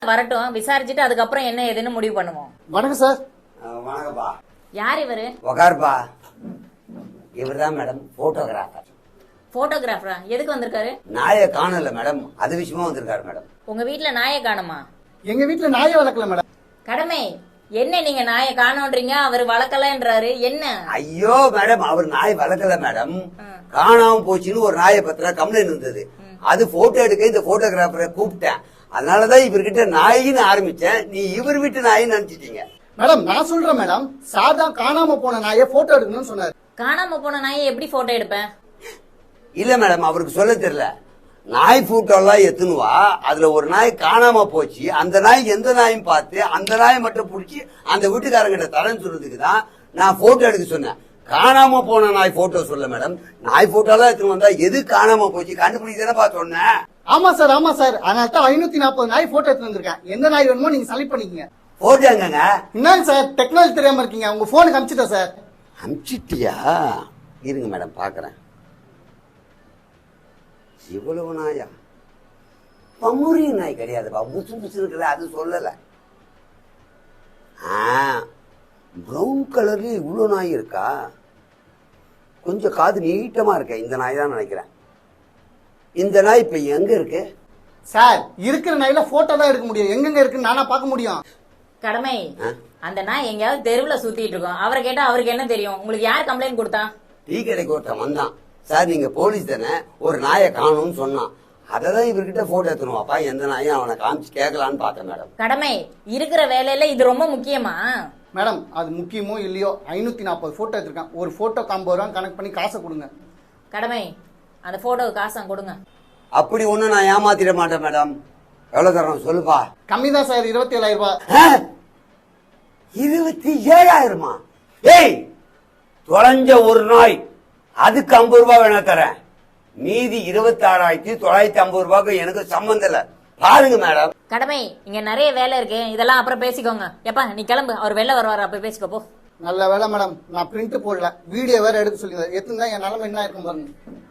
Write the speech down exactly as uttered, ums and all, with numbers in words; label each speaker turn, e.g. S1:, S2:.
S1: வரட்டும், விசாரிச்சுட்டு அதுக்கப்புறம் என்ன ஏதுன்னு முடிவு பண்ணுவோம்.
S2: வணக்கம் சார்.
S3: வணக்கம்பா.
S1: யார் இவரு?
S3: உக்காருப்பா. இவர்தான் மேடம் போட்டோகிராஃபர்.
S1: போட்டோகிராஃபரா? எதுக்கு வந்திருக்காரு?
S3: நாயை காணல மேடம், அது விஷயமா வந்திருக்காரு மேடம்.
S1: உங்க வீட்டுல நாயை காணுமா?
S2: எங்க வீட்டுல நாயை வளர்க்கல மேடம்.
S1: கடமை என்ன, நீங்க நாயை காணோன்றீங்க, அவர் வளர்க்கலன்றாரு, என்ன?
S3: ஐயோ மேடம், அவர் நாய் வளர்க்கல மேடம், காணாம போச்சுன்னு ஒரு நாயை பத்திர கம்ப்ளைண்ட் இருந்தது. அது போட்டோ எடுக்க இந்த போட்டோகிராஃபரை கூப்பிட்டேன். அதனாலதான் இவர்கிட்ட நாயின்னு ஆரம்பிச்சேன். நீ இவர் வீட்டு நாயின்னு நினைச்சிட்டீங்க.
S2: மேடம் நான் சொல்றேன் மேடம், சார் தான் காணாம போன நாயை போட்டோ எடுக்கணும்னு சொன்னாரு.
S1: காணாம போன நாயை எப்படி போட்டோ எடுப்பேன்?
S3: இல்ல மேடம், அவருக்கு சொல்ல தெரியல. நாய் போட்டோ எல்லாம் எத்துனுவா, அதுல ஒரு நாய் காணாம போச்சு. அந்த நாய் எந்த நாயும் பார்த்து அந்த நாயை மட்டும் பிடிச்சி அந்த வீட்டுக்காரங்கிட்ட தரேன்னு சொல்றதுக்கு தான் நான் போட்டோ எடுக்க சொன்னேன். காணாம போன நாய் போட்டோ சொல்ல மேடம். நாய் போட்டோ எல்லாம் எடுத்துன்னு வந்தா எது காணாம போச்சு கண்டுபிடிக்கிறதா சொன்னேன்.
S2: ஆமா சார், ஆமா சார். அதனால தான் ஐநூத்தி நாற்பது நாய் போட்டோ எடுத்து வந்திருக்கேன். எந்த நாய் வேணுமோ நீங்க செலக்ட் பண்ணிக்கங்க.
S3: போட்டாங்க.
S2: என்னங்க சார் டெக்னாலஜி தெரியாம இருக்கீங்க? உங்க போனுக்கு அனுப்பிச்சிட்டேன் சார்.
S3: அனுப்பிச்சிட்டியா? இருங்க மேடம் பாக்குறேன். இவ்வளவு நாயா? பம்முரிய நாய் கிடையாதுப்பா, புசு புசு இருக்கிற, அது சொல்லல. பிரவுன் கலர்ல இவ்வளவு நாய் இருக்கா? கொஞ்சம் காது நீட்டமா இருக்க, இந்த நாய் தான் நினைக்கிறேன். இந்த நாய் இப்ப எங்க இருக்கு
S2: சார்? இருக்கிற நாயில போட்டோ தான் எடுக்க முடியும், எங்கெங்க இருக்குன்னு நானா பார்க்க முடியும்.
S1: கடமை அந்த நாய் எங்கேயாவது தெருவுல சுத்திட்டு இருக்கோம். அவரை கேட்டா அவருக்கு என்ன தெரியும்? உங்களுக்கு யார் கம்ப்ளைண்ட் கொடுத்தா?
S3: டீ கடைக்கு ஒருத்தன் வந்தான். சார் நீங்க போலீஸ் தானே, ஒரு நாயை காணும்னு சொன்னான். அததான் இவர்கிட்ட போட்டோ எடுத்துனுவாப்பா, எந்த நாயும் அவனை காமிச்சு கேட்கலான்னு பார்த்தேன் மேடம்.
S1: கடமை இருக்கிற வேலையில இது ரொம்ப முக்கியமா?
S2: மேடம் அது முக்கியமோ இல்லையோ, ஐநூத்தி நாற்பது போட்டோ எடுத்திருக்கேன். ஒரு போட்டோ ஐம்பது ரூபா கனெக்ட் பண்ணி காசை கொடுங்க.
S1: கடமை அந்த போட்டோவுக்கு காசை கொடுங்க.
S3: அப்படி ஒண்ணு நான் ஏமாத்திட மாட்டேன் மேடம். எவ்வளவு தரோம் சொல்லுப்பா.
S2: கம்மி தான் சார், இருபத்தி ஏழாயிரம் ரூபாய்.
S3: இருபத்தி ஏழாயிரமா? ஏய் தொலைஞ்ச ஒரு நாய், அதுக்கு ஐம்பது ரூபாய் வேணா தரேன். மீதி இருபத்தி ஆறாயிரத்தி தொள்ளாயிரத்தி ஐம்பது ரூபாய்க்கு எனக்கு சம்பந்தம் இல்ல. பாருங்க மேடம்.
S1: கடமை இங்க நிறைய வேலை இருக்கு, இதெல்லாம் அப்புறம் பேசிக்கோங்க. எப்பா நீ கிளம்பு, அவர் வெளில வருவாரு, அப்ப பேசிக்கோ போ.
S2: நல்ல வேலை மேடம், நான் பிரிண்ட் போடல, வீடியோ வேற எடுக்க சொல்லி எத்தனை என் நிலைமை என்ன இருக்கும் பாருங்க.